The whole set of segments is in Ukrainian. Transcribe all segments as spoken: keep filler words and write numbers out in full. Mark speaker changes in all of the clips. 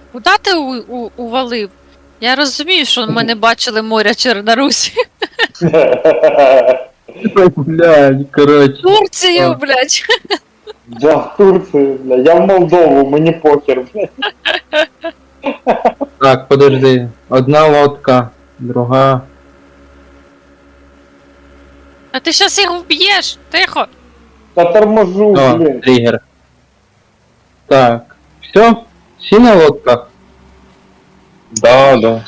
Speaker 1: Куда ти у, у, увалив? Я розумію, що ми не бачили моря Чорнорусі.
Speaker 2: Блядь, коротше.
Speaker 1: Турцію,
Speaker 2: А.
Speaker 1: блядь.
Speaker 3: Я в Турцію, бля, я в Молдову, мені похер, блядь.
Speaker 2: Так, подожди. Одна лодка, друга.
Speaker 1: А ти щас їх вб'єш. Тихо.
Speaker 3: Та торможу,
Speaker 2: О,
Speaker 3: блін.
Speaker 2: тригер. Так. Все? Всі на лодках?
Speaker 4: Да, да.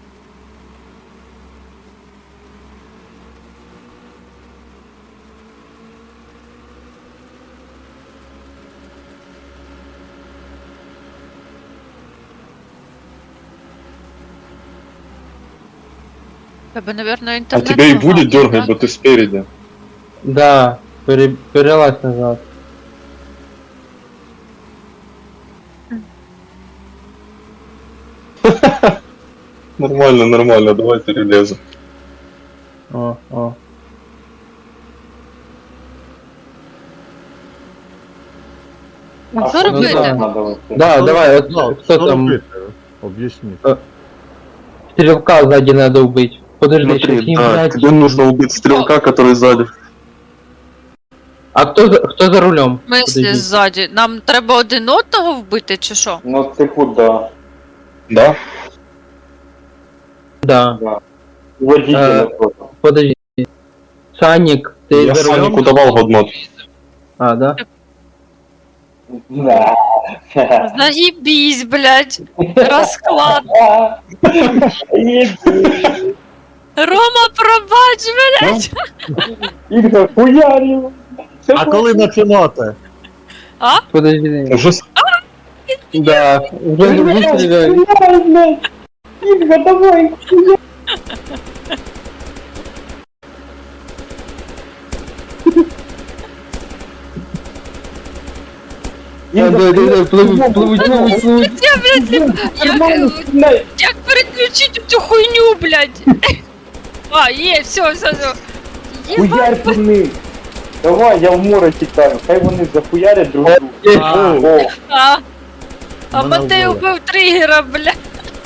Speaker 1: Тебе, наверное,
Speaker 4: А
Speaker 1: інтернет.
Speaker 4: тебя и
Speaker 1: поганий,
Speaker 4: будет
Speaker 1: да?
Speaker 4: дергать, бо ты спереди.
Speaker 2: Да. Пере... Перелазь назад.
Speaker 4: Нормально, нормально, давай перелезем.
Speaker 2: О, о.
Speaker 1: А що
Speaker 3: що
Speaker 1: робити?
Speaker 2: да.
Speaker 3: надо оце?
Speaker 2: Да, давай, от,
Speaker 5: Ну,
Speaker 2: хто
Speaker 5: що
Speaker 2: там?
Speaker 5: робити? Об'ясніть.
Speaker 2: Стрелка сзади надо убить. Подожди,
Speaker 4: Смотри,
Speaker 2: сейчас не
Speaker 4: да,
Speaker 2: блядь.
Speaker 4: тебе нужно убить стрелка, который сзади.
Speaker 2: А кто за, кто за рулем?
Speaker 1: В смислі
Speaker 2: Подожди.
Speaker 1: ззаді? Нам треба один одного вбити, чи що?
Speaker 3: Ну типу, да.
Speaker 4: Да?
Speaker 2: Да.
Speaker 3: Водителя
Speaker 2: Е,
Speaker 3: просто.
Speaker 2: Подожди. Саник, ты
Speaker 4: Я
Speaker 2: за рулем?
Speaker 4: Санику давал годнот.
Speaker 2: А, да?
Speaker 3: Да.
Speaker 1: Заїбісь, блядь. Розклад. Рома, пробач, блядь.
Speaker 3: Ігор, хуярів.
Speaker 5: А коли починати?
Speaker 2: Подожди.
Speaker 4: Уже с-
Speaker 2: Да, уже, уже стреляй.
Speaker 3: Хуярь, блядь. Ігор, давай.
Speaker 2: Да, да, да, да, плывут, плывут, плывут, плывут.
Speaker 1: Я, блядь, як, як переключити цю хуйню, блядь? А, є, все, все, все. Єба.
Speaker 3: Хуярь по ним. Давай, я в море тікаю. Хай вони захуярять друг друга.
Speaker 2: Є.
Speaker 3: О,
Speaker 1: А, а
Speaker 5: Мене
Speaker 1: Матей
Speaker 5: вбили.
Speaker 1: убив тригера, блядь.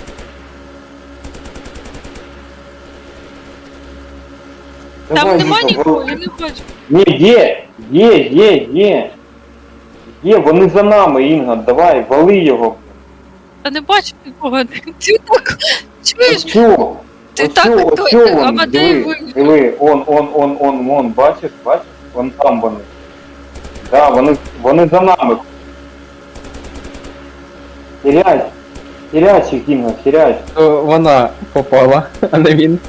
Speaker 1: Там
Speaker 3: давай,
Speaker 1: нема
Speaker 3: Ігор,
Speaker 1: нікого,
Speaker 3: вали.
Speaker 1: я не хочу.
Speaker 3: Ні, є, є, є, є. Є, вони за нами, Інга, давай, вали його.
Speaker 1: Та не бачу нікого. Ти так, чуєш?
Speaker 3: Ось,
Speaker 1: Ти
Speaker 3: ось,
Speaker 1: так
Speaker 3: ось,
Speaker 1: ось,
Speaker 3: ось,
Speaker 1: а Матей
Speaker 3: диви,
Speaker 1: вивів.
Speaker 3: диви, он, он, он, он, он, бачиш, бачиш? Вон там вони. Да, вони, вони за нами. Хірясь, хірясь їх, Інга, хірясь.
Speaker 2: То вона попала, а не він.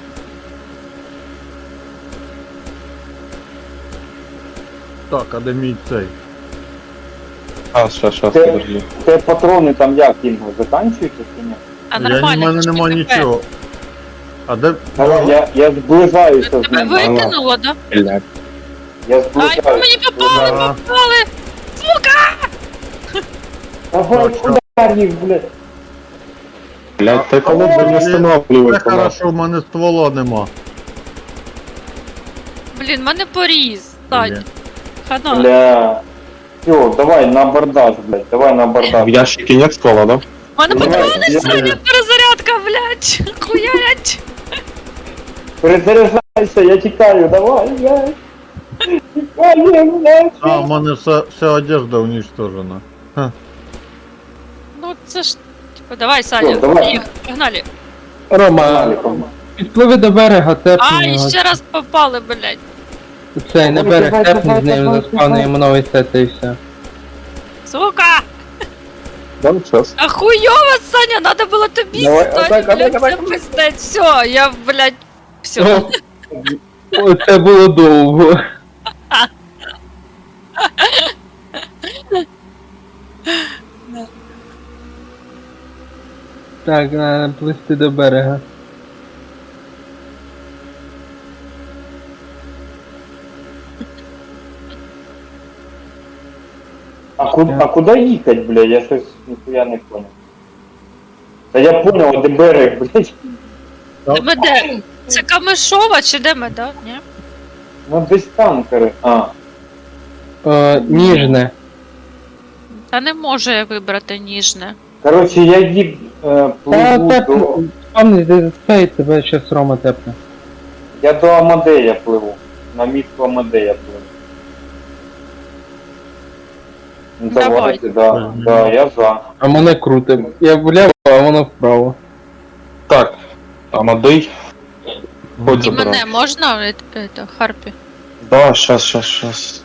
Speaker 5: Так, а де мій цей?
Speaker 4: А, сейчас, сейчас,
Speaker 3: Це,
Speaker 4: подожди.
Speaker 3: це патрони там як, Інга, заканчуються чи ні?
Speaker 1: А
Speaker 5: Я, в
Speaker 1: нормально.
Speaker 5: мене
Speaker 1: ти ж
Speaker 5: нема
Speaker 1: не
Speaker 5: нічого. А де?
Speaker 3: Давай, я, я зближаюся з
Speaker 1: Тебе
Speaker 3: ним.
Speaker 1: викинуло, да?
Speaker 4: Блядь.
Speaker 3: Я
Speaker 1: Ай, по
Speaker 3: зближаюся.
Speaker 1: мені попали,
Speaker 5: Да.
Speaker 1: попали!
Speaker 3: Давай,
Speaker 5: Так,
Speaker 3: хуярь їх, блядь.
Speaker 4: Блядь, так
Speaker 5: А,
Speaker 4: надо не
Speaker 5: Це
Speaker 4: останавливать по нас.
Speaker 5: хорошо, в мене ствола нема.
Speaker 1: Блін, мене поріз. Стань.
Speaker 5: Блін.
Speaker 1: Хана.
Speaker 3: Бля. Все, давай на абордаж, блядь, давай на
Speaker 4: В
Speaker 3: абордаж.
Speaker 4: ящике нет ствола, да?
Speaker 1: У мене
Speaker 3: Давай,
Speaker 1: патрони,
Speaker 3: я-
Speaker 1: Саня, перезарядка, блядь. Хуярять.
Speaker 3: Перезаряджайся, я тікаю, давай, блядь. Тікаю, блядь.
Speaker 5: А, в мене вся, вся одежда уничтожена.
Speaker 1: Ну це ж. Типа, давай, Саня,
Speaker 3: Всё, давай.
Speaker 1: їх, погнали.
Speaker 2: Рома,
Speaker 3: Погнали, погнали.
Speaker 2: підпливи до берега, тепни
Speaker 1: А, і
Speaker 2: його.
Speaker 1: ще раз попали, блядь.
Speaker 2: Цей, на берег
Speaker 3: Давай,
Speaker 2: тепни
Speaker 3: давай,
Speaker 2: з ним,
Speaker 3: давай,
Speaker 2: заспавнуємо новий сет і все.
Speaker 1: Сука!
Speaker 4: Да, сейчас.
Speaker 1: А хуёво, Саня, надо было тобі
Speaker 3: Давай,
Speaker 1: стати,
Speaker 3: отак,
Speaker 1: блядь,
Speaker 3: отак, отак.
Speaker 1: це пиздець. Все, я, блядь, все.
Speaker 2: О, це було довго. Так, треба плисти до берега.
Speaker 3: А куда, а куда їхать, блядь, я щось ніхуя не понял. Та я понял, де берег, блядь.
Speaker 1: Де ми де? Це Камишова чи де ми, да? Ні?
Speaker 3: Ну десь там, каже. А.
Speaker 2: Е, ніжне.
Speaker 1: Та не можу я вибрати ніжне.
Speaker 3: Коротше, я їд е,
Speaker 2: Та
Speaker 3: пливу
Speaker 2: тепно,
Speaker 3: до...
Speaker 2: пане, де цей тебе щас Рома тепне.
Speaker 3: Я до Амадея пливу. На місто Амадея пливу. Ну
Speaker 1: Давай.
Speaker 3: давайте, да, да, я за.
Speaker 2: А мене крутим. Я вліво, а воно вправо.
Speaker 4: Так, Амадей. Хоть
Speaker 1: І
Speaker 4: забирай.
Speaker 1: мене можна, е, это, Харпі?
Speaker 4: Да, щас, щас, щас.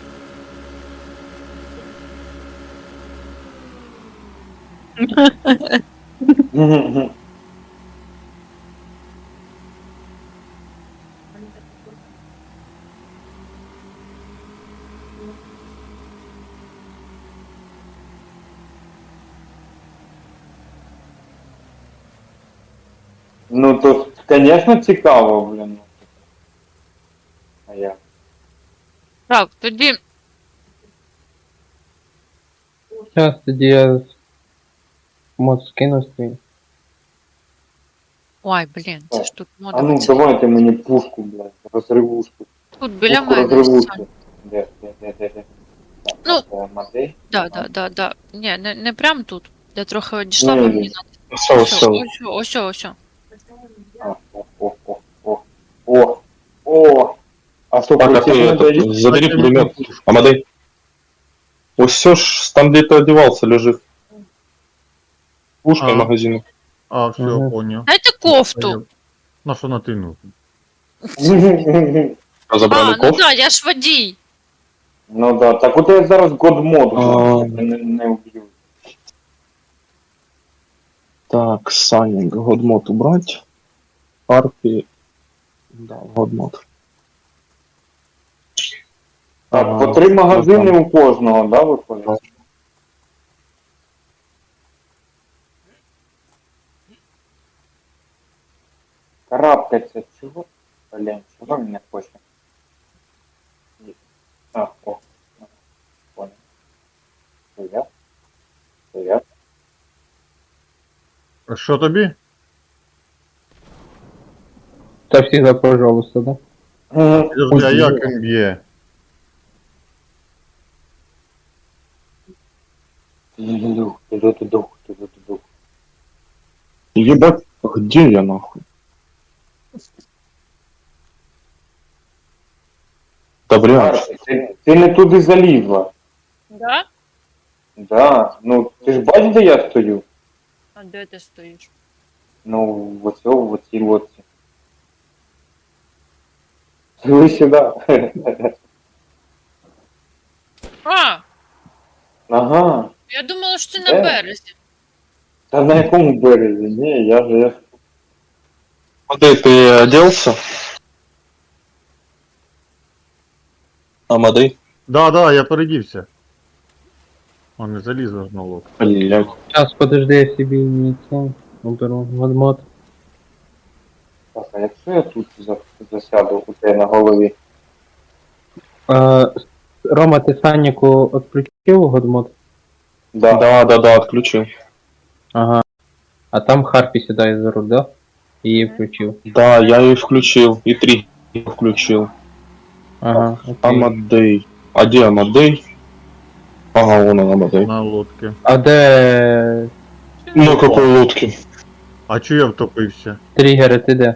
Speaker 3: Ну то, конечно, цікаво, блін. А я.
Speaker 1: Так, тоді
Speaker 2: Зараз тоді я мод скину свій.
Speaker 1: Ой, блін, це ж тут
Speaker 3: А ну
Speaker 1: модується.
Speaker 3: давайте мені пушку, блядь, розривушку.
Speaker 1: Тут біля
Speaker 3: Пушку
Speaker 1: мене.
Speaker 3: розривушку.
Speaker 1: Сань.
Speaker 3: Де, де, де, де, де. Так,
Speaker 1: Ну.
Speaker 3: це Амадей.
Speaker 1: Да, да, да, да. Ні, не, не прям тут. Я трохи одійшла,
Speaker 3: Ні,
Speaker 1: бо
Speaker 3: ні.
Speaker 1: мені надо.
Speaker 4: Все,
Speaker 1: Ось,
Speaker 4: все.
Speaker 1: ось, ось, ось.
Speaker 3: А, о, о, о, о, о, о. А что,
Speaker 4: Так, а
Speaker 3: полетели
Speaker 4: ты
Speaker 3: надо
Speaker 4: этот,
Speaker 3: идти?
Speaker 4: забери пулемет. Амадей. Ось все ж, там где ты одевался, лежит. Пушка
Speaker 5: А.
Speaker 4: и магазин.
Speaker 5: А, все,
Speaker 2: Ага.
Speaker 5: понял.
Speaker 1: Дайте кофту.
Speaker 5: На що на ти нужен?
Speaker 4: Разобрали
Speaker 1: А, ну
Speaker 4: кофту.
Speaker 1: да, я ж водій.
Speaker 3: Ну да, так вот я зараз годмод
Speaker 4: А.
Speaker 3: не, не убью.
Speaker 4: Так, Санинг, годмод убрать. Харпи. Да, годмод.
Speaker 3: Так,
Speaker 4: Ага,
Speaker 3: по три магазини
Speaker 4: ну,
Speaker 3: у кожного, да, виходить? Карабкаться, чего? Блин, чего меня хочет? А, о, а, понял. Привет. Привет.
Speaker 5: А що тобі?
Speaker 2: Та всегда, пожалуйста, да?
Speaker 5: Подожди, а як він б'є?
Speaker 3: Дух, дух, дух, дух, дух.
Speaker 4: Ебать, где я нахуй? Да блядь.
Speaker 3: Ти, ти не туди залізла.
Speaker 1: Да?
Speaker 3: Да, ну ти ж бачиш, де я стою?
Speaker 1: А де ти стоїш?
Speaker 3: Ну, в оцьому, в оцій лодці. Ви сюди.
Speaker 1: А,
Speaker 3: Ага.
Speaker 1: я думала, що ти
Speaker 3: Де?
Speaker 1: на березі.
Speaker 3: Та на якому березі? Ні, я ж я ж.
Speaker 4: Амадей, ты оделся? Амадей?
Speaker 5: Да, да, я передівся. А не залізла ж на лоб.
Speaker 4: Блядь.
Speaker 2: Сейчас, подожди, я собі не це уберу. Мод.
Speaker 3: Так, а якщо я тут за- засяду у тебе на голові?
Speaker 2: А, Рома, ти Санніку відключив годмод?
Speaker 3: Да.
Speaker 4: Да, да, да, отключил.
Speaker 2: Ага. А там Харпі сідає за руль, да? Її включив.
Speaker 4: Да, я ее включил. И три включил.
Speaker 2: Ага, окей.
Speaker 4: Амадей. А где Амадей? Ага, вон он, Амадей.
Speaker 5: На лодці.
Speaker 2: А де
Speaker 4: На какой лодке?
Speaker 5: А чого я втопився?
Speaker 2: тригери, ти де?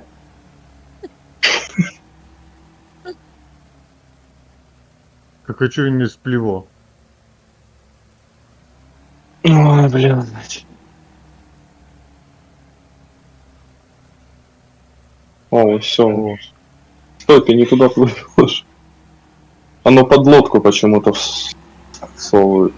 Speaker 5: Так а чого він не спліво?
Speaker 4: Ой, блядь. О, все. Стой, ты не туда плывешь. Оно под лодку почему-то вс- всовывает.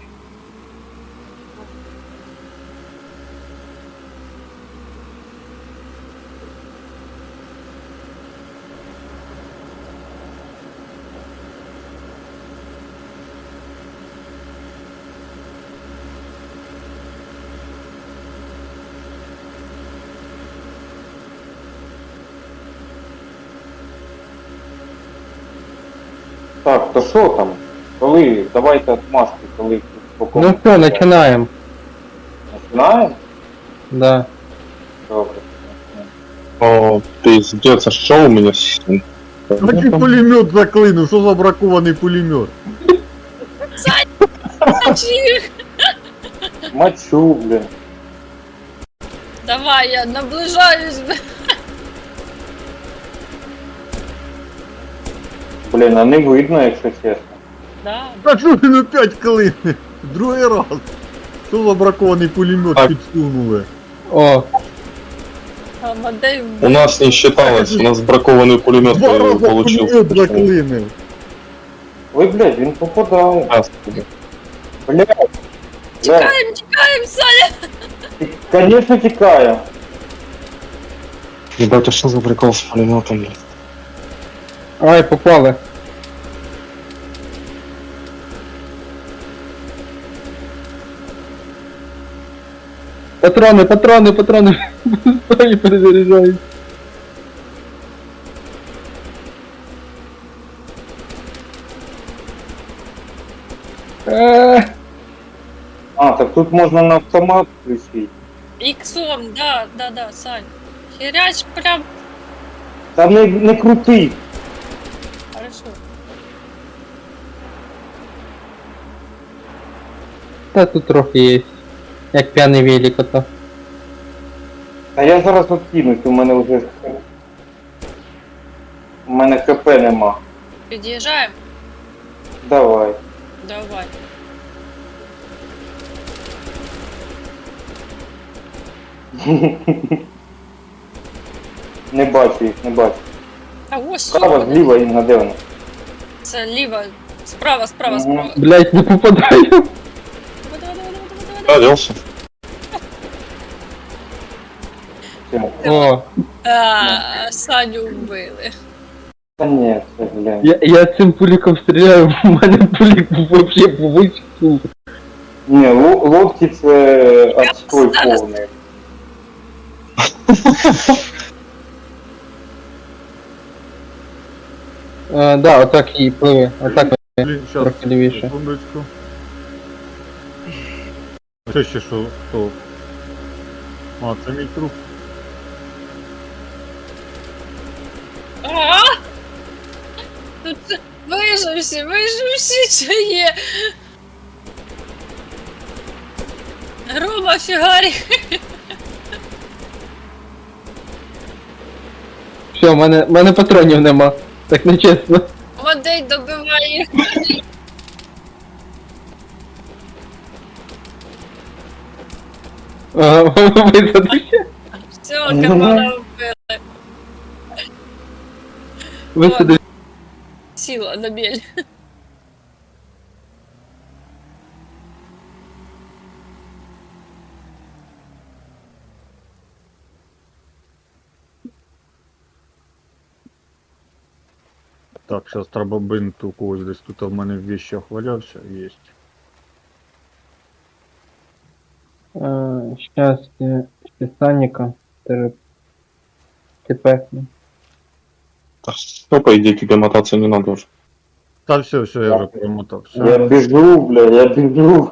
Speaker 3: Так, то що там? Коли? Давайте отмашки, коли по кому?
Speaker 2: Ну все, починаємо.
Speaker 3: Починаємо?
Speaker 2: Да.
Speaker 3: Добре.
Speaker 4: О, пиздец, а что у меня с...
Speaker 5: Який пулемет заклинув, що за бракований пулемет?
Speaker 1: Чи-
Speaker 3: Мачу, блін.
Speaker 1: Давай, я наближаюсь.
Speaker 3: Блін, а не видно, якщо чесно.
Speaker 1: Да.
Speaker 5: А що він опять клине? Другий раз. Що за бракований пулемет
Speaker 4: Так.
Speaker 5: підсунули?
Speaker 2: О,
Speaker 1: Амадей
Speaker 4: У нас не считалось, у нас бракованный пулемет
Speaker 5: Два рази
Speaker 4: получился.
Speaker 5: пулемет заклинив.
Speaker 3: Ой, блядь, він попадає.
Speaker 4: Раз.
Speaker 3: Блядь. Да,
Speaker 1: Тікаємо, тікаємо, Саня.
Speaker 3: конечно, тікає.
Speaker 4: Ебать, а что за прикол с пулеметом?
Speaker 2: ай, попали. Патрони, патрони, патрони. Стой, перезаряджаю. Е,
Speaker 3: А, так тут можна на автомат включити.
Speaker 1: Іксом, да, да, да, Сань. Херяч прям.
Speaker 3: Та не, не крути.
Speaker 1: Хорошо.
Speaker 2: Та тут трохи є. Як п'яний велик ото.
Speaker 3: Та я зараз откинусь, у мене вже... У мене ХП нема.
Speaker 1: Під'їжджаємо?
Speaker 3: Давай.
Speaker 1: Давай.
Speaker 3: Не бачу їх, не бачу.
Speaker 1: А ось
Speaker 3: Справа,
Speaker 1: супер.
Speaker 3: зліва і де вони?
Speaker 1: Це ліва. Справа, справа,
Speaker 3: Мгм.
Speaker 1: справа.
Speaker 2: Блять, не попадаю.
Speaker 1: Давай, давай, давай, давай, давай, давай.
Speaker 4: Оделся.
Speaker 3: Все.
Speaker 2: О,
Speaker 1: А, Саню вбили.
Speaker 3: Та ні, це, блядь.
Speaker 2: я, я цим пуліком стріляю, у мене пулік вообще вичкнув.
Speaker 3: Ні, ло- лодки це отстой
Speaker 1: зараз-
Speaker 3: повний.
Speaker 2: Е, да, отак і пливе. Отак
Speaker 5: Блін, щас,
Speaker 2: трохи лівіше.
Speaker 5: секундочку. А Що ще що? Хто? А, це мій труп.
Speaker 1: А! Тут виживші, виживші, чи є. Рома фігарі.
Speaker 2: Все, в мене, в мене патронів нема. Так не чесно.
Speaker 1: Мадей добиває.
Speaker 2: Ага, висадився.
Speaker 1: Все, команда вбила.
Speaker 2: Висадився.
Speaker 1: Сіла на біль.
Speaker 5: Так, зараз треба бинт у когось десь тут в мене в вещах валявся, є.
Speaker 2: Е, Щас, е, ще Саніка. Тепекну.
Speaker 4: Ну, по идее, тебе мотаться не надо уже.
Speaker 5: Та все, все, я вже перемотав. Все.
Speaker 3: Я біжу, бля, я біжу.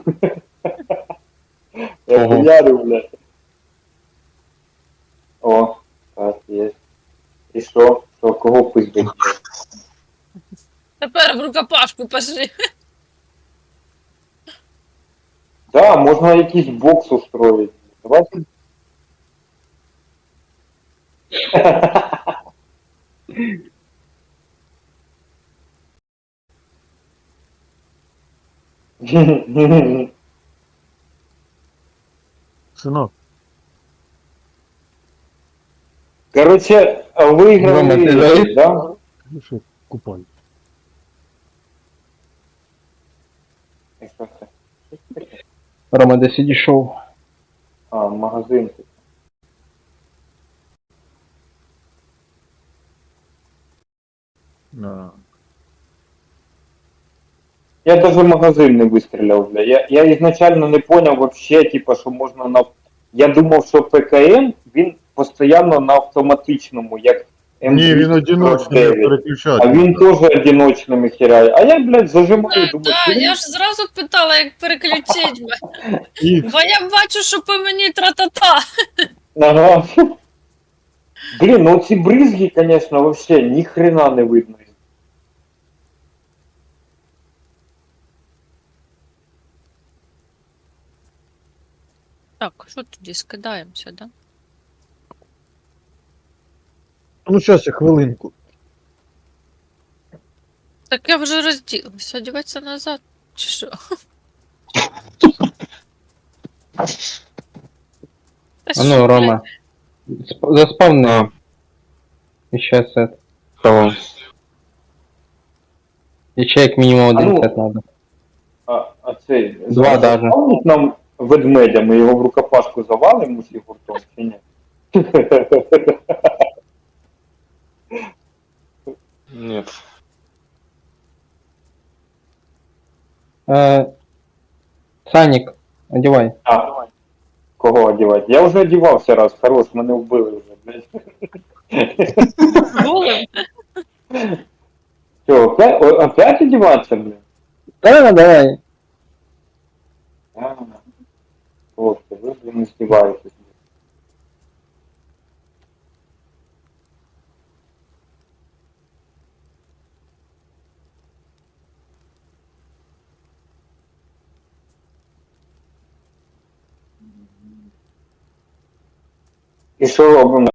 Speaker 3: Я
Speaker 4: Ого.
Speaker 3: хуярю, бля. О, так, є. І що? Що, кого пиздить?
Speaker 1: Тепер в рукопашку пошли.
Speaker 3: Да, можна якийсь бокс устроить. Давайте.
Speaker 5: Синок,
Speaker 3: Короче,
Speaker 2: Рома, ти
Speaker 3: выиграли,
Speaker 2: знаєш?
Speaker 3: да?
Speaker 5: ну що, купай.
Speaker 3: І що це?
Speaker 2: Рома, десь відійшов.
Speaker 3: А, магазин.
Speaker 5: Да.
Speaker 3: Я даже магазин не выстрелил, бля. Я, я изначально не понял вообще, типа, що можна на... Я думав, що ПКМ, він постійно на автоматичному, як ем
Speaker 5: Ні, він
Speaker 3: двісті сорок
Speaker 5: одиночний, не
Speaker 3: дев'ять.
Speaker 5: переключати.
Speaker 3: А він теж одиночними херяє. А я, блядь, зажимаю, думаю,
Speaker 1: Так,
Speaker 3: «Блін,
Speaker 1: я ж зразу питала, як переключить.
Speaker 5: І
Speaker 1: Бо я бачу, що по мені тра-та-та.
Speaker 3: ага». Блін, ну ці бризги, конечно, вообще ні хрена не видно.
Speaker 1: Так, що тоді скидаємося, да?
Speaker 5: ну щас я хвилинку.
Speaker 1: Так я вже розділася, одіватися назад. Чи що? Та
Speaker 2: А
Speaker 1: що,
Speaker 2: ну,
Speaker 1: блядь?
Speaker 2: Рома. сп- Заспавни.
Speaker 4: А,
Speaker 2: Еще сет.
Speaker 4: кого?
Speaker 2: Еще як мінімум
Speaker 3: А
Speaker 2: один
Speaker 3: ну.
Speaker 2: сет надо.
Speaker 3: А, а цей...
Speaker 2: Два даже.
Speaker 3: Заспавнить нам ведмедя, ми його в рукопашку завалимо усі гуртом, чи ні?
Speaker 4: Нет.
Speaker 2: Е, Санік, одівай.
Speaker 3: А, кого одівати? Я вже одівався раз, хорош, мене вбили вже, блядь.
Speaker 1: Голим?
Speaker 3: Що, опять, о, опять одіватися, блядь?
Speaker 2: Да, давай.
Speaker 3: А, хлопці, ви, блін, не здіваєтесь. І що робимо?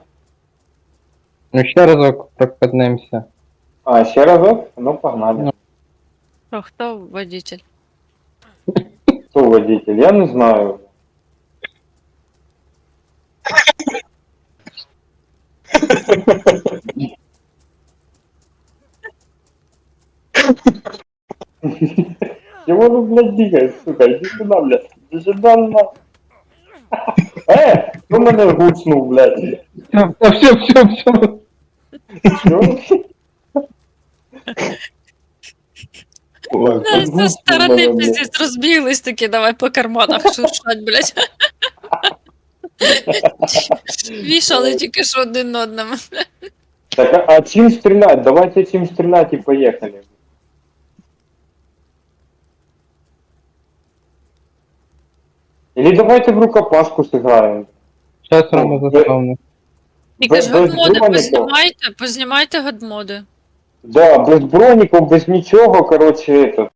Speaker 2: Ну ще разок прокатнемося.
Speaker 3: А, ще разок? Ну, погнали.
Speaker 2: Ну.
Speaker 1: Що, хто водитель?
Speaker 3: Хто водитель? Я не знаю. Чего вы, блядь, дигаешь, сука? Иди сюда, блядь. Иди сюда, на. Э, кто меня гуцнул, блядь?
Speaker 2: Все, все, все, все.
Speaker 3: Чё?
Speaker 4: Ой,
Speaker 1: Да,
Speaker 3: Гуцнул
Speaker 1: Зі сторони
Speaker 3: мене, блядь.
Speaker 1: пиздець розбіглись такі, давай по карманах шуршать, блядь. Вішали тільки що один одному.
Speaker 3: Так, а, а чим стрелять? Давайте чим стрелять и поехали. Или давайте в рукопашку сыграем.
Speaker 2: Сейчас Рома заспавни.
Speaker 1: Тільки ж
Speaker 3: Без- без
Speaker 1: годмоди
Speaker 3: броніку.
Speaker 1: познімайте, познімайте годмоди.
Speaker 3: Да, без броников, без ничего, короче, это.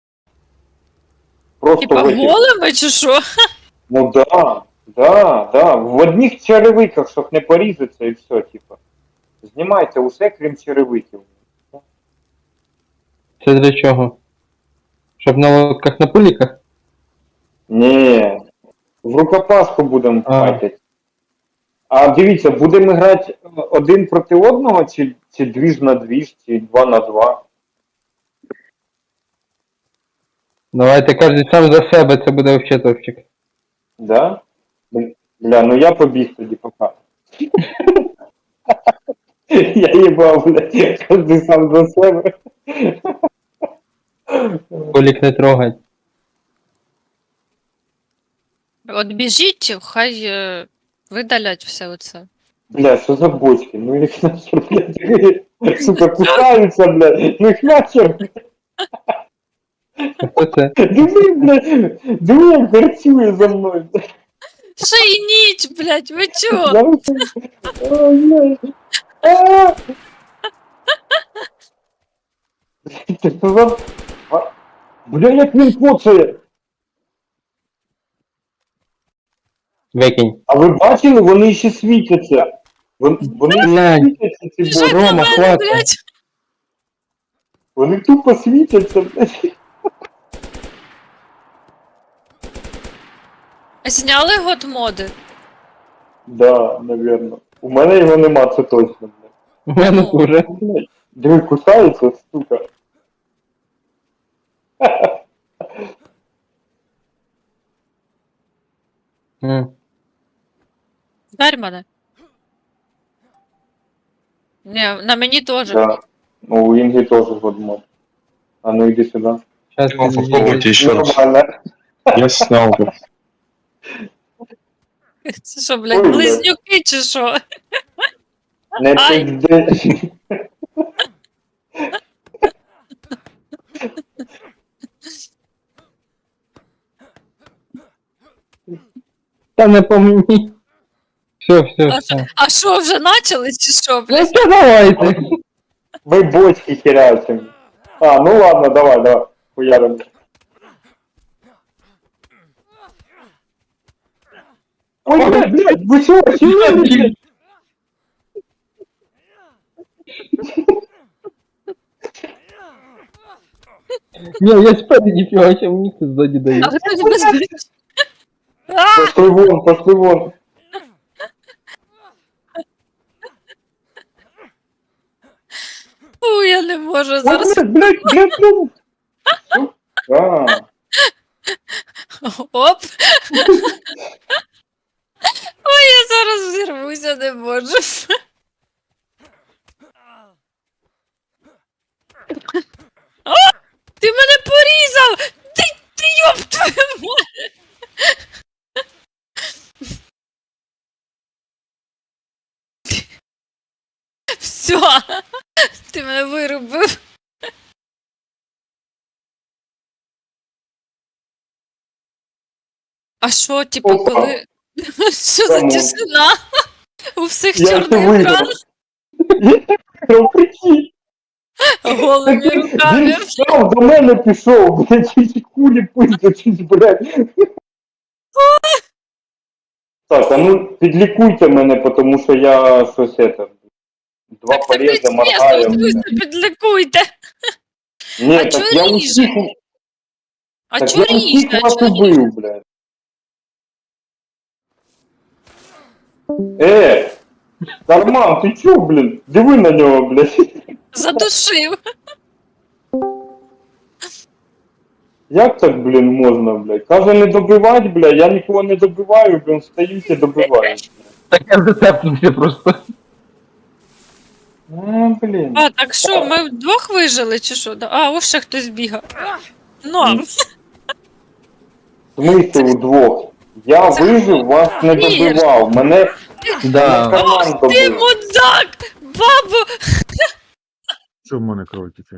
Speaker 3: Просто
Speaker 1: Типа
Speaker 3: в этих-
Speaker 1: голими чи що?
Speaker 3: Ну да, да, да. В одних черевиках, щоб не порізатися і все, типа. Знімайте усе, крім черевиків.
Speaker 2: Це для чого? Щоб на лодках на пуліках?
Speaker 3: Ні. В рукопашку будемо
Speaker 2: А.
Speaker 3: файтити. А дивіться, будемо грати один проти одного, чи, чи двіж на двіж, чи два на два.
Speaker 2: Давайте кожен сам за себе, це буде вообще топчик.
Speaker 3: Да? Бля, ну я побіг тоді пока. Я їбав, бля, кожен сам за себе.
Speaker 2: Пулік не трогать.
Speaker 1: От біжіть, хай е, видалять все оце.
Speaker 3: Бля, що за бочки? Ну їх нахер, блядь, сука, кусаються, блядь, ну їх нахер.
Speaker 2: Хто це?
Speaker 3: Диви, блядь, диви, як гарцює за мною.
Speaker 1: Ще й ніч, блядь, ви чого?
Speaker 3: Я оце- Ой, блядь. А! Ти що за... А, бля, як він коцає.
Speaker 2: Викинь.
Speaker 3: А ви бачили, вони ще світяться. Вони, вони ще
Speaker 2: Глянь.
Speaker 3: світяться, ці
Speaker 1: Біжать
Speaker 3: бочки.
Speaker 1: на
Speaker 2: Рома,
Speaker 1: мене,
Speaker 2: хватить.
Speaker 1: блядь.
Speaker 3: Вони тупо світяться, блядь.
Speaker 1: Зняли годмоди?
Speaker 3: Да, наверно. У мене його нема, це точно, блядь.
Speaker 2: У мене
Speaker 1: Ну.
Speaker 2: уже.
Speaker 3: Блядь, диви, кусається, сука.
Speaker 2: М.
Speaker 1: Здарь мене. Ні, на мені теж.
Speaker 3: Да. Ну, у Інги теж годмод. А ну иди сюда.
Speaker 2: Щас
Speaker 4: Ну,
Speaker 2: він
Speaker 4: попробуйте еще раз.
Speaker 3: Нормально.
Speaker 4: Я снял бы.
Speaker 1: Це що, блядь,
Speaker 3: Ой, блядь.
Speaker 1: близнюки чи що?
Speaker 3: Не
Speaker 1: Ай.
Speaker 3: пизди.
Speaker 2: Та не по мені. Все, все,
Speaker 1: А
Speaker 2: все.
Speaker 1: А що, вже начали чи що,
Speaker 2: Ну
Speaker 1: блядь?
Speaker 2: що, давайте.
Speaker 3: Вы бочки херячим. А, ну ладно, давай, давай. Хуярим. Ой, блядь, блядь, вы что, охерели, блядь?
Speaker 2: Не, я спереди фігача, мені хтось ззаді дає.
Speaker 1: А хтось без А!
Speaker 3: Пошли вон, пошли вон.
Speaker 1: Фу, я не можу
Speaker 3: Ой,
Speaker 1: зараз.
Speaker 3: блядь, блядь, блядь, блядь. А,
Speaker 1: Оп. Ой, я зараз взірвуся, не можу. О! Ти мене порізав! Ти, ти йоп твою мать! Все, ти мене вирубив. А що, типу,
Speaker 3: Опа.
Speaker 1: коли. Що за
Speaker 3: Кому?
Speaker 1: тишина? У всіх
Speaker 3: Я ще
Speaker 1: чорний
Speaker 3: виграв.
Speaker 1: екран
Speaker 3: Ну, прикинь.
Speaker 1: голими
Speaker 3: Так
Speaker 1: руками.
Speaker 3: Він сам до мене пішов, блядь, ці кулі пиздячись, блядь. Так, а ну підлікуйте мене, тому що я щось это. Два
Speaker 1: Так це
Speaker 3: порези
Speaker 1: чесно,
Speaker 3: моргаю.
Speaker 1: ви підлікуйте.
Speaker 3: Ні,
Speaker 1: А
Speaker 3: так
Speaker 1: чо
Speaker 3: я
Speaker 1: ріже?
Speaker 3: усіх,
Speaker 1: А
Speaker 3: так
Speaker 1: чо
Speaker 3: я усіх
Speaker 1: ріже?
Speaker 3: вас
Speaker 1: Чо ріже?
Speaker 3: убив, блядь. Е, Дарман, ти чо, блін? Диви на нього, блядь.
Speaker 1: Задушив.
Speaker 3: Як так, блін, можна, блядь? Каже не добивати, блядь, я нікого не добиваю, блін, стають і добивають.
Speaker 2: Так я зацепнувся просто.
Speaker 3: А, блін.
Speaker 1: А, так що, ми вдвох вижили, чи що? Да- А, ось ще хтось бігав. Ну,
Speaker 3: В смислі удвох? Я вижив, вас не добивав. Мене
Speaker 2: Да.
Speaker 3: карман
Speaker 1: ти
Speaker 3: добив.
Speaker 1: мудак! Бабу!
Speaker 5: Що в мене кров тече?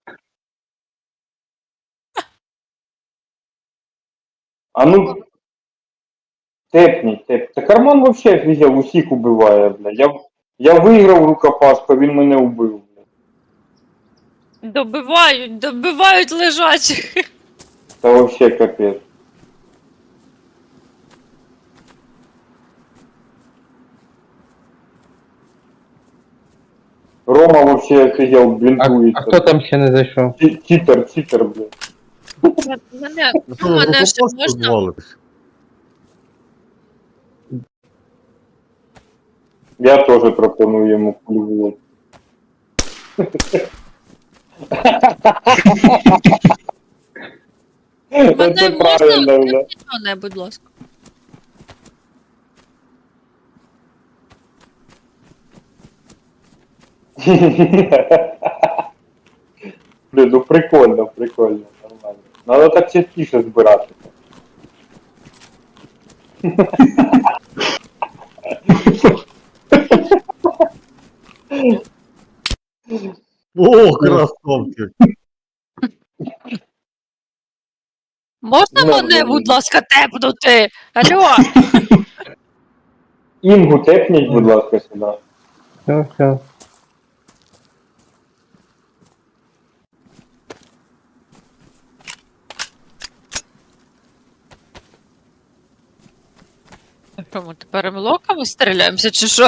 Speaker 3: А ну. Тепніть, теп. Та карман вообще офігел, усіх убиває, бля. Я, я виграв рукопашку, він мене убив, бля.
Speaker 1: Добивають, добивають лежачих.
Speaker 3: Та вообще капець. Рома вообще офігел,
Speaker 2: А,
Speaker 3: блінкується.
Speaker 2: а хто там ще не зайшов?
Speaker 3: Чі- Читер, читер, бля.
Speaker 1: Мене,
Speaker 5: Ну,
Speaker 1: ну, мене ще
Speaker 5: просто
Speaker 1: можна.
Speaker 5: звалитись.
Speaker 3: Я теж пропоную йому плювати.
Speaker 1: Мене
Speaker 3: Це
Speaker 1: можна
Speaker 3: правильно, бля.
Speaker 1: мене, будь ласка.
Speaker 3: Блін, ну прикольно, прикольно, нормально. Надо так частіше збирати.
Speaker 5: О, красавчик!
Speaker 1: Можна
Speaker 3: Ну,
Speaker 1: мене,
Speaker 3: ну,
Speaker 1: будь
Speaker 3: ну.
Speaker 1: ласка, тепнути? Алло,
Speaker 3: Інгу тепніть, будь ласка, сюди.
Speaker 2: Все, все.
Speaker 1: що ми тепер млоками стріляємося, чи що?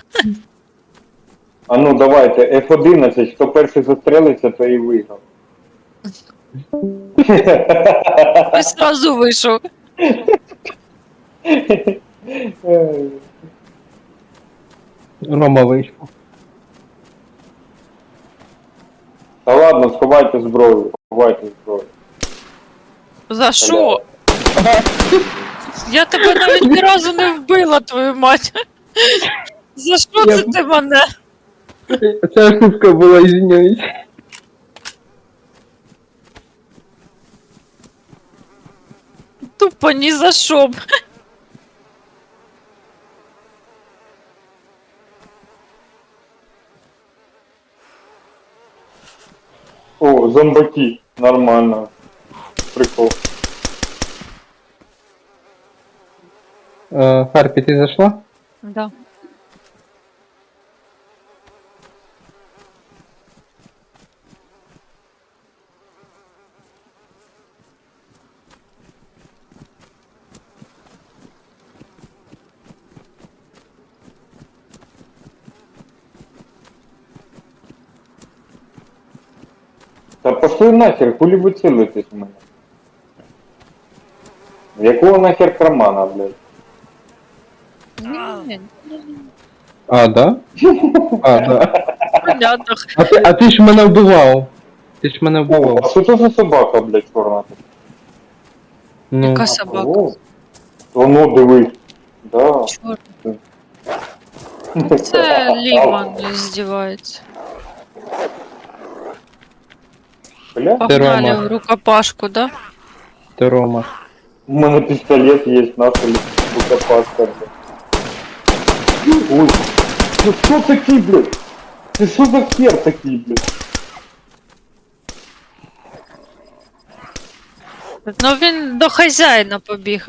Speaker 3: А ну давайте, еф одинадцять, хто перший застрелиться, то і виграв.
Speaker 1: Ось сразу вийшов.
Speaker 2: Рома вийшов.
Speaker 3: Та ладно, сховайте зброю, сховайте зброю.
Speaker 1: За що? Я тебе навіть ні разу не вбила, твою мать. За що
Speaker 2: Я-
Speaker 1: це ти мене?
Speaker 2: Ця ошибка була, извиняюсь.
Speaker 1: Тупо ні за що. б.
Speaker 3: О, зомбаки, нормально. Прикол.
Speaker 2: Е, Харпі, ти зайшла?
Speaker 1: Да.
Speaker 3: пошли нахер, хулі ви цілитесь в мене? В якого нахер кармана, блядь?
Speaker 1: Ні,
Speaker 2: А, да? А, да.
Speaker 1: понятно.
Speaker 2: А ти, а ти ж мене вбивав. Ти ж мене
Speaker 3: О, а
Speaker 2: вбивав.
Speaker 3: що це за собака, блядь, чорна?
Speaker 2: Ну,
Speaker 1: Яка собака?
Speaker 3: О, воно дивись. Да.
Speaker 1: Чорт. Це Ліман здівається.
Speaker 3: Бля,
Speaker 1: Погнали
Speaker 2: Рома.
Speaker 1: в рукопашку, да?
Speaker 2: ти Рома.
Speaker 3: у мене пістолет є, нахуй, рукопашка. Ой, це що такий, блядь? Це що за хер такий, блядь?
Speaker 1: Ну він до хазяїна побіг.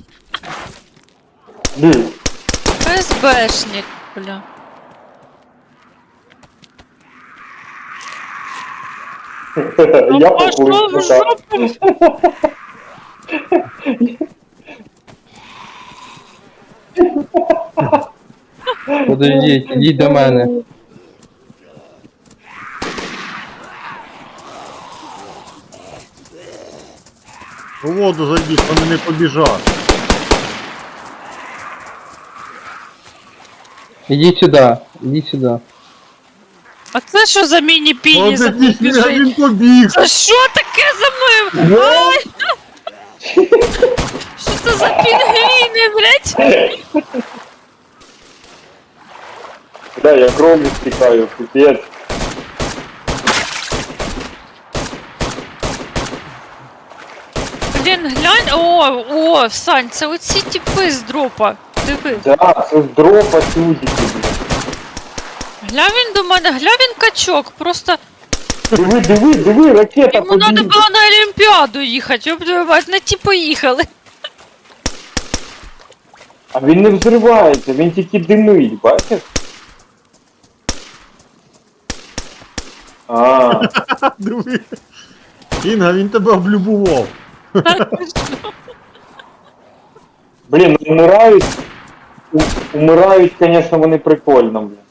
Speaker 3: Блядь.
Speaker 1: ФСБшник, бля.
Speaker 3: Я
Speaker 1: Ну, пошов
Speaker 3: поплив,
Speaker 1: в
Speaker 3: так.
Speaker 1: жопу.
Speaker 2: Подождіть, ідіть до мене.
Speaker 5: У воду зайди, вони не побіжать.
Speaker 2: Ідіть сюди, ідіть сюди.
Speaker 1: А це що за міні-піні
Speaker 5: От
Speaker 1: за мною
Speaker 5: якийсь
Speaker 1: біжить?
Speaker 5: він побіг.
Speaker 1: Це що таке за мною? Ай! Що це за пінгвіни, блядь?
Speaker 3: Бля, я кров'ю стікаю, пипець.
Speaker 1: Блін, глянь, о, о, Сань, це оці типи з дропа. Диви.
Speaker 3: Да, це з дропа чудики, блядь.
Speaker 1: Гля він до мене, гля він качок, просто
Speaker 3: Диви, диви, диви, ракета
Speaker 1: йому треба
Speaker 3: побігла.
Speaker 1: було на Олімпіаду їхати, щоб твою мать, на ті поїхали.
Speaker 3: А він не взривається, він тільки димить, бачиш? А,
Speaker 5: Диви. Інга, він тебе облюбував.
Speaker 3: блін, ну умирають. У, умирають, звісно, вони прикольно, блін.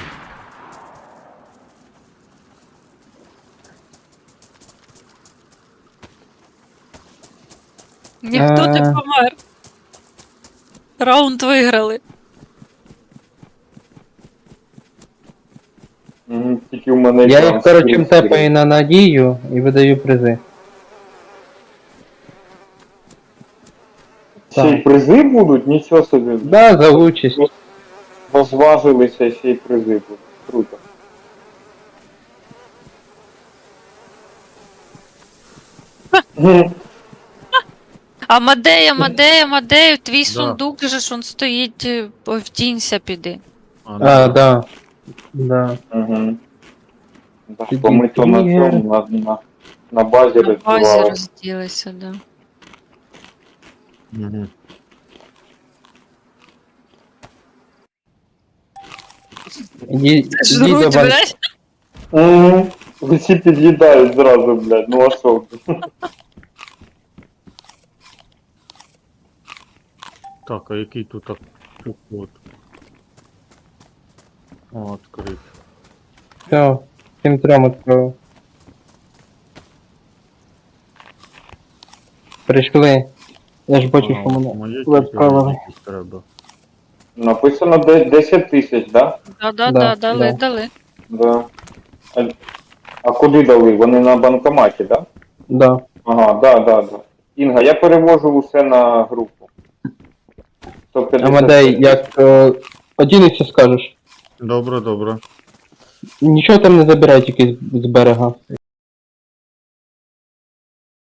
Speaker 1: Ніхто не
Speaker 2: Е.
Speaker 1: помер. Раунд виграли.
Speaker 3: Мгм, тільки в мене
Speaker 2: Я
Speaker 3: екран
Speaker 2: їх, коротше,
Speaker 3: скрін
Speaker 2: тепаю на надію і видаю призи.
Speaker 3: Ще й призи будуть? Нічого собі.
Speaker 2: Да, за участь.
Speaker 3: Розважилися, ще й призи будуть. Круто. Мгм.
Speaker 1: А Мадей, Амадей, Амадей, твій
Speaker 5: Да.
Speaker 1: сундук же ж он стоїть, е, втінься піди.
Speaker 5: А,
Speaker 2: А, да. Да.
Speaker 3: Мгм. Да,
Speaker 2: Тоді
Speaker 3: бо ми то на
Speaker 2: Ігор.
Speaker 3: цьому, на, на, на базі
Speaker 1: На базі
Speaker 3: роздівали.
Speaker 1: розділися, да.
Speaker 5: Мгм.
Speaker 2: Ідіть, ідіть до
Speaker 1: Жруть,
Speaker 2: вас.
Speaker 1: блядь.
Speaker 3: Мгм. Всі під'їдають зразу, блядь, ну а що?
Speaker 5: Так, а який тут так проход? О, відкрит.
Speaker 2: Все, всім трьом відправив. Прийшли. Я ж бачу, що мене
Speaker 5: Моє
Speaker 2: ви відправили.
Speaker 5: якісь треба.
Speaker 3: Написано де- десять тисяч, да?
Speaker 1: Да, да,
Speaker 2: Да,
Speaker 1: да, дали,
Speaker 2: да.
Speaker 1: дали.
Speaker 3: Да. А, а куди дали? Вони на банкоматі, да?
Speaker 2: Да.
Speaker 3: Ага, да, да, да. Інга, я перевожу усе на групу. сто п'ятдесят
Speaker 2: Амадей, як е, одінешся, скажеш.
Speaker 5: Добре, добре.
Speaker 2: Нічого там не забирай тільки з з берега.